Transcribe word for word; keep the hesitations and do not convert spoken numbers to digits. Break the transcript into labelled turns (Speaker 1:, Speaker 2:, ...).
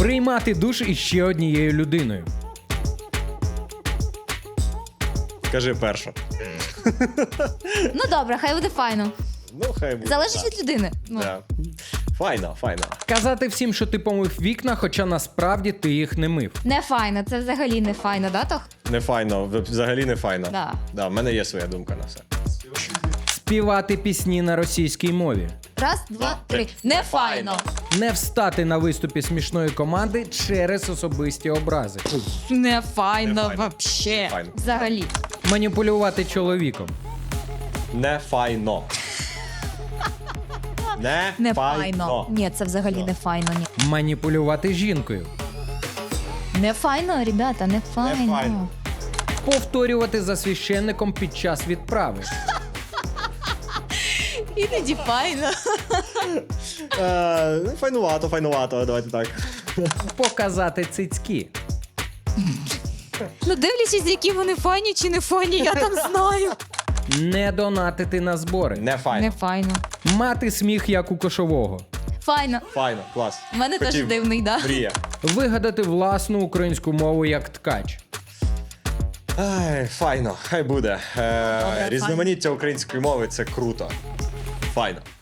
Speaker 1: Приймати душ із ще однією людиною.
Speaker 2: Кажи першу.
Speaker 3: Ну добре, хай буде файно.
Speaker 2: Ну, хай буде.
Speaker 3: Залежить
Speaker 2: так.
Speaker 3: від людини. Ну.
Speaker 2: Да. Файно, файно.
Speaker 1: Казати всім, що ти помив вікна, хоча насправді ти їх не мив.
Speaker 3: Не файно, це взагалі не файно, да, Тох?
Speaker 2: Не файно, взагалі не файно.
Speaker 3: Да.
Speaker 2: Да, в мене є своя думка на все.
Speaker 1: Співати пісні на російській мові.
Speaker 3: Раз, два, три. Не файно.
Speaker 1: Не встати на виступі смішної команди через особисті образи.
Speaker 3: Не файно,
Speaker 2: Не файно.
Speaker 3: вообще.
Speaker 2: Не файно.
Speaker 3: Взагалі.
Speaker 1: Маніпулювати чоловіком.
Speaker 2: Не файно. Не,
Speaker 3: Не файно. Ні, це взагалі
Speaker 2: Ну.
Speaker 3: не файно, ні.
Speaker 1: Маніпулювати жінкою.
Speaker 3: Не файно, ребята, не файно.
Speaker 2: файно.
Speaker 1: Повторювати за священником під час відправи.
Speaker 3: Іноді файно.
Speaker 2: Е, ну, файнувато, файнувато, давайте так.
Speaker 1: Показати цицьки.
Speaker 3: Ну, дивлячись, які вони файні чи не файні, я там знаю.
Speaker 1: Не донатити на збори.
Speaker 2: Не файно.
Speaker 3: Не файно.
Speaker 1: Мати сміх, як у кошового.
Speaker 3: Файно.
Speaker 2: Файно, клас.
Speaker 3: У мене теж
Speaker 2: Хотів.
Speaker 3: дивний, да?
Speaker 2: Мрія.
Speaker 1: Вигадати власну українську мову як ткач.
Speaker 2: Ай, файно, хай буде. Е,
Speaker 3: Добре,
Speaker 2: різноманіття української мови це круто. Файно.